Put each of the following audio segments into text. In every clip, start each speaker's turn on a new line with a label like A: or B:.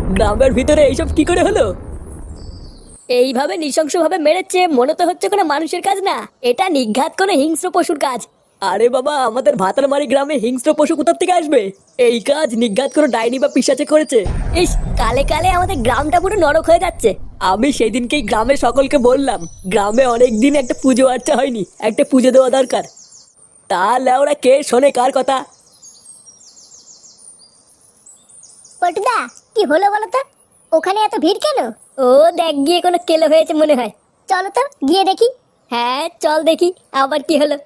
A: গ্রামের ভিতরে এইসব কি করে হলো? এইভাবে নৃশংসভাবে মেরেছে, মনে তো হচ্ছে কোনো মানুষের কাজ না, এটা নিঘাত কোনো হিংস্র পশুর কাজ। আরে বাবা, আমাদের ভাতারমারি গ্রামে হিংস্র পশু কোথা থেকে আসবে? এই কাজ নিঘাত কোনো ডাইনি বা পিশাচে করেছে। ইস, কালে কালে আমাদের গ্রামটা পুরো নরক হয়ে যাচ্ছে। আমি সেই দিনকেই গ্রামের সকলকে বললাম, গ্রামে অনেক দিন একটা পুজো আর্চা হয়নি, একটা পুজো দেওয়া দরকার। তাহলে ওরা কে শোনে কার কথা?
B: পল্টুদা, কি হলো বলো তো? ওখানে এত ভিড় কেন?
A: ও দেখ গিয়ে কোনো কেলো হয়েছে মনে হয়।
B: চলো তো গিয়ে দেখি।
A: হ্যাঁ চল দেখি আবার কি হলো।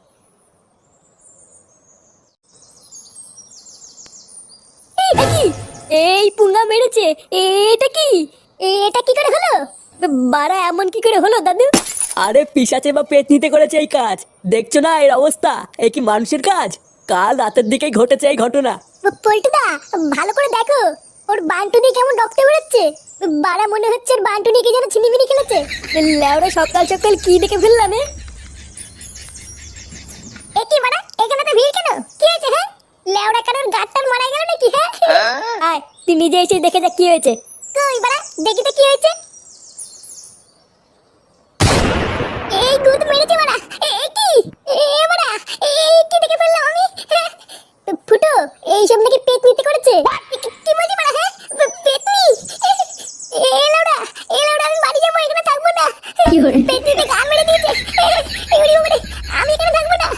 A: এটা কি? এই পুঙ্গা মেরেছে, এটা কি?
B: এটা কি করে হলো?
A: বাড়া এমন কি করে হলো দাদু? আরে পিশাচে বা পেতনিতে করেছে এই কাজ, দেখছো না এর অবস্থা? এ কি মানুষের কাজ? কাল রাতের দিকেই ঘটেছে এই ঘটনা।
B: পল্টুদা, ভালো করে দেখো, ওর বান্টুনি কেমন রক্ত বেরোচ্ছে। বাড়া মনে হচ্ছে ওর বান্টুনি কি যেন ছিনিমিনি খেলেছে।
A: লেওরা সকাল সকাল কি দেখে ফেললাম?
B: এ কি বাড়া, এখানে তো ভিড় কেন? কি হয়েছে? হ্যাঁ, লেওড়া কারোর গাঁটটার মারা গেল নাকি? হ্যাঁ,
A: আয় তুই নিজে এসে দেখে যা কি হয়েছে।
B: কই বাড়া, দেখি তো কি হয়েছে। এই গুদ মেরেছে বাড়া। এ কি? বাড়া, কি দেখে ফেললাম আমি? ফুটো, এইসব নাকি পেতনিতে করেছে? কি বলছি বাড়া? হ্যাঁ, পেতনি? লেওড়া, আমি বাড়ি যাবো, এখানে থাকবো না। পেতনিতে গান মেরে দিয়েছে। আমি এখানে থাকবো না।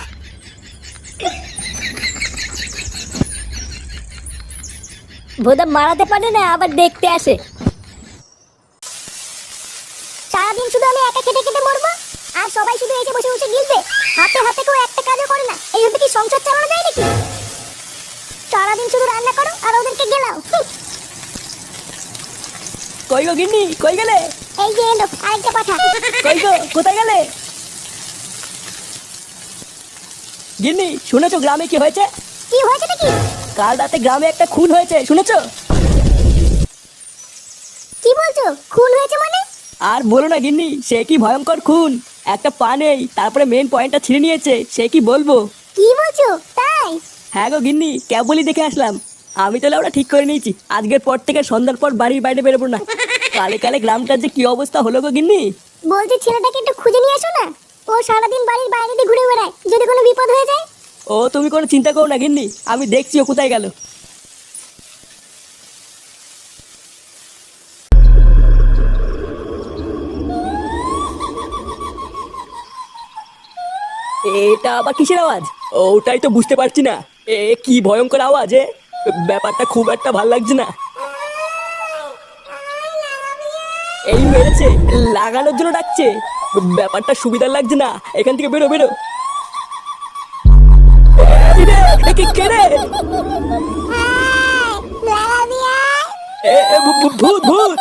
A: ভোদা মারাতে পারে না, আবার দেখতে আসে।
B: সারাদিন শুধু আমি একা খেটে খেটে মরবো, আর সবাই শুধু এসে বসে বসে গিলবে। হাতে হাতে কেউ একটা কাজও করে না। এইভাবে কি সংসার চালানো যায় নাকি? সারাদিন শুধু রান্না করো আর ওদেরকে গেলাও।
A: কই গো গিন্নি, কই গেলে?
B: এই যে এলো আরেকটা কথা।
A: কই গো, কোথায় গেলে? গিন্নি শুনেছো গ্রামে কি হয়েছে?
B: কি হয়েছে নাকি?
A: কাল রাতে গ্রামে একটা খুন হয়েছে, শুনেছো?
B: কি বলছো? খুন হয়েছে মানে?
A: আর বলো না গিন্নি, সে কি ভয়ঙ্কর খুন। একটা পা নেই, তারপরে মেন পয়েন্টটা ছিঁড়ে নিয়েছে, সে কি বলবো।
B: কি বলছো? তাই?
A: হ্যাঁ গো গিন্নি, কেবলই দেখে আসলাম। আমি তাহলে ওরা ঠিক করে নিয়েছি, আজকের পর থেকে সন্ধ্যার পর বাড়ির বাইরে বেরোবো না। কালে কালে গ্রামটার যে কি অবস্থা হলো গো গিন্নি।
B: বলছি ছেলেটাকে একটু খুঁজে নিয়ে এসো না। ও সারাদিন বাড়ির বাইরে দিয়ে ঘুরে বেড়ায়, যদি কোনো বিপদ হয়ে যায়।
A: ও তুমি কোনো চিন্তা করো না গিন্নি, আমি দেখছি ও কোথায় গেল। এটা আবার কিসের আওয়াজ? ওটাই তো বুঝতে পারছি না। কি ভয়ঙ্কর আওয়াজ! ব্যাপারটা খুব একটা ভাল লাগছে না। এই মেরেছে, লাগানোর জন্য ডাকছে। ব্যাপারটা সুবিধার লাগছে না, এখান থেকে বেরো বেরো। কে রে? ভূত ভূত!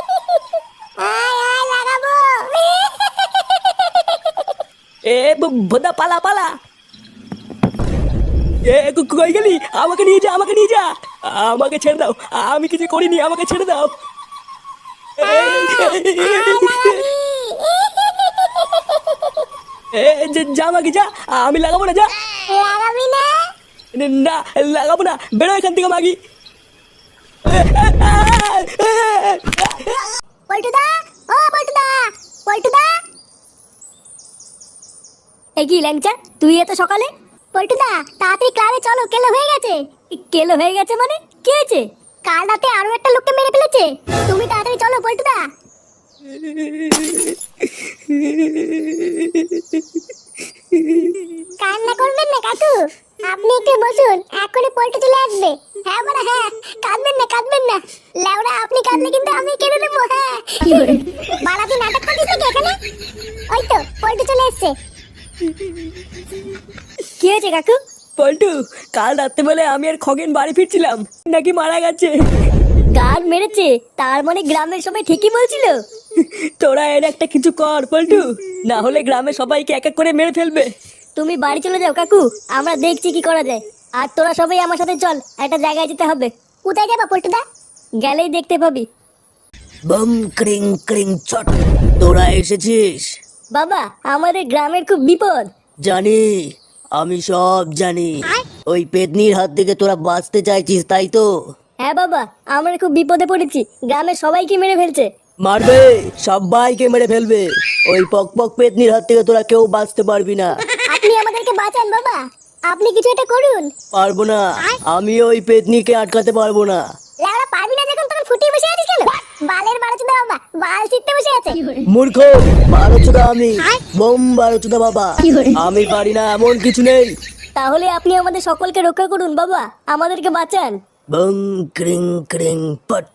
A: ভোদা পালা পালা! কই গেলি? আমাকে নিয়ে যা, আমাকে নিয়ে যা। আমাকে ছেড়ে দাও, আমি কিছু করিনি, আমাকে ছেড়ে দাও। যা মাগি যা, আমি লাগাবো না, যা।
B: লাগাবি না?
A: না লাগাবো না, বেরো এখান থেকে মাগি।
B: পল্টুদা, ও পল্টুদা, পল্টুদা।
A: এই কি ল্যাংচা, তুই এত সকালে?
B: পল্টুদা, তাড়াতাড়ি ক্লাবে চলো, কেলো হয়ে গেছে।
A: কেলো হয়ে গেছে মানে? কি হয়েছে?
B: কাল রাতে আরো একটা লোককে মেরে ফেলেছে। তুমি তাড়াতাড়ি চলো পল্টুদা। কান্না করবেন না কাকু, আপনি একটু বসুন, এখনই পল্টু চলে আসবে। হ্যাঁ বড়া, হ্যাঁ, কাঁদবেন না কাঁদবেন না। লেওড়া, আপনি কাঁদলে কিন্তু আমি কেঁদে দেবো। হ্যাঁ বাড়া, তুই নাটক করছিস নাকি এখানে? ওই তো পল্টু চলে এসছে।
A: কি হয়েছে কাকু? পল্টু, কাল রাত্রেবেলা আমি আর খগেন বাড়ি ফিরছিলাম, নাকি মারা গেছে। গান মেরেছে? তার মানে গ্রামের সবাই ঠিকই বলছিল। তোরা এর একটা কিছু কর পল্টু, না হলে গ্রামে সবাইকে এক এক করে মেরে ফেলবে। তুমি বাড়ি চলে যাও কাকু, আমরা দেখছি কি করা যায়। আর তোরা সবাই আমার সাথে চল, একটা জায়গায় যেতে হবে।
B: কোথায় যাবা পল্টুদা?
A: গেলেই দেখতে পাবি। বম ক্রিং ক্রিং চট, তোরা এসেছিস? বাবা, আমাদের গ্রামের খুব বিপদ। জানি, আমি সব জানি। ওই পেতনির হাত থেকে তোরা বাঁচতে চাইছিস, তাই তো? হ্যাঁ বাবা, আমরা খুব বিপদে পড়েছি, গ্রামের সবাইকে মেরে ফেলছে।
C: মারবে, সবাইকে মেরে ফেলবে। ওই পক পক পেতনির হাত থেকে তোরা কেউ বাঁচতে পারবি না।
B: আপনি আমাদেরকে বাঁচান বাবা, আপনি কিছু একটা করুন।
C: পারবো না, আমি ওই পেতনিকে আটকাতে পারবো না।
B: লেওড়া পারবি না যখন তখন ফুটিয়ে বসে আছিস কেন? বালের বারোচোদা বাবা, বাল ছিটতে বসে আছে।
C: মূর্খ, বারোচোদা আমি, বোম বারোচোদা বাবা। আমি পারি না এমন কিছু নেই।
A: তাহলে আপনি আমাদের সকলকে রক্ষা করুন বাবা, আমাদেরকে বাঁচান।
C: বং ক্রিং ক্রিং পট।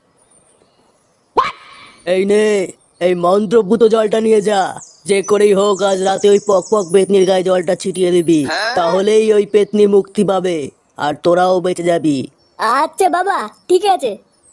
C: এই নে, এই মন্ত্রপুত জলটা নিয়ে যা। যে করেই হোক আজ রাতে ওই পক পক পেতনির গায়ে জলটা ছিটিয়ে দিবি, তাহলেই ওই পেতনি মুক্তি পাবে আর তোরাও বেঁচে যাবি।
A: আচ্ছা বাবা, ঠিক আছে।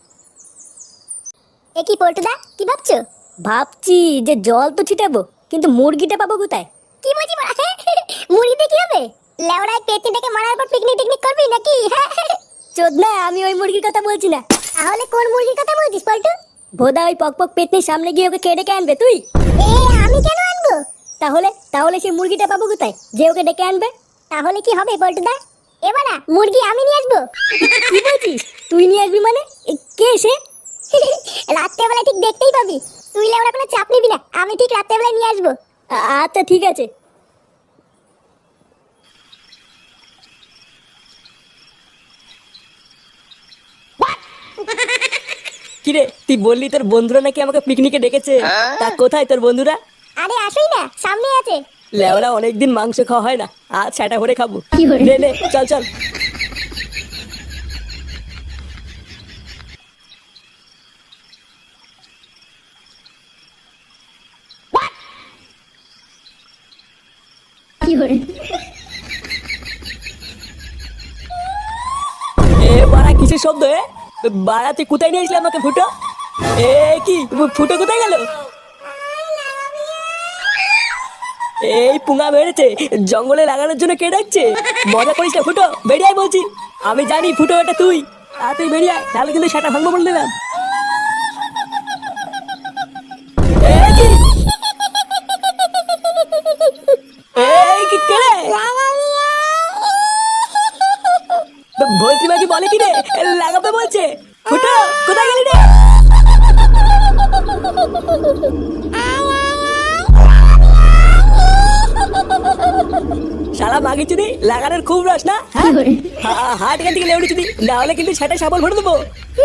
B: এ কি পল্টুদা, কি ভাবছো?
A: ভাবছি যে জল তো ছিটাবো, কিন্তু মুরগিটা পাবো কোথায়?
B: কি বলছি বড়া? মুড়িতে কি হবে? লেওড়ায় পেতনিটাকে মারার পর পিকনিক টিকনিক করবি নাকি?
A: চোদনা, আমি ওই মুরগির কথা বলছি না।
B: তাহলে কোন মুরগির কথা বলছিস পল্টু?
A: ভোদা ওই পক পক পেতনির সামনে গিয়ে ওকে কে ডেকে আনবে তুই?
B: এ আমি কেন আনবো?
A: তাহলে তাহলে সেই মুরগিটা পাবো কোথায় যে ওকে ডেকে আনবে?
B: তাহলে কি হবে পল্টুদা? এবারে মুরগি আমি নিয়ে আসবো।
A: কি বলছিস? তুই নিয়ে আসবি মানে? কে সে?
B: রাত্রেবেলা ঠিক দেখতেই পাবি। তুই লেওড়া কোনো চাপ নিবি না, আমি ঠিক রাত্রেবেলায় নিয়ে আসবো।
A: আচ্ছা ঠিক আছে। কিরে, তুই বললি তোর বন্ধুরা নাকি আমাকে পিকনিকে ডেকেছে, তা কোথায় তোর বন্ধুরা?
B: আরে আসুই না, সামনে আছে।
A: লেওরা অনেকদিন মাংস খাওয়া হয় না, আজ সেটা করে খাবো। নে নে, চল চল। এ বাড়া, কিসের শব্দ? বাড়া তুই কোথায় নিয়ে আসলি আমাকে? ফুটো, এ কি ফুটো কোথায় গেল? এই পুঙা বেড়েছে, জঙ্গলে লাগানোর জন্য কে ডাকছে? মজা করিস না ফুটো, বেরিয়ে আয় বলছি। আমি জানি ফুটো এটা তুই, তুই বেরিয়ে আয়, তাহলে কিন্তু সেটা ভাঙবো বলে দিলাম। কে রে? বলছি বাকি বলে কি রে, লাগাবে বলছে। ফুটো কোথায় গেলি রে? শালা মাগি চুদি, লাগানোর খুব রস না? হাট এখান থেকে লেউড়ি চুদি, না হলে কিন্তু সেটা সাবল ভরে দেবো।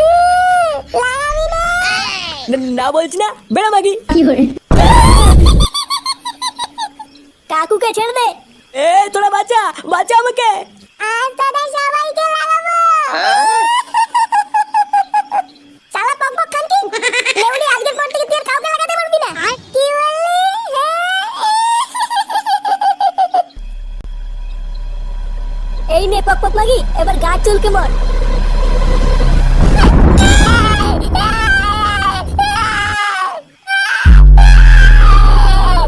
A: না বলছি না, বেড়া মাগি। কাকুকে ছেড়ে দে। এ তোরা বাঁচা, বাঁচা আমাকে।
B: আজ তোদের সবাইকে লাগাবো। শালা পকপক খানকি, লেউড়ি আজকের পর থেকে তুই আর কাউকে লাগাতে পারবি না। কি বললি?
A: এই নে পক পক মাগি, এবার গাছ চুলকে মর।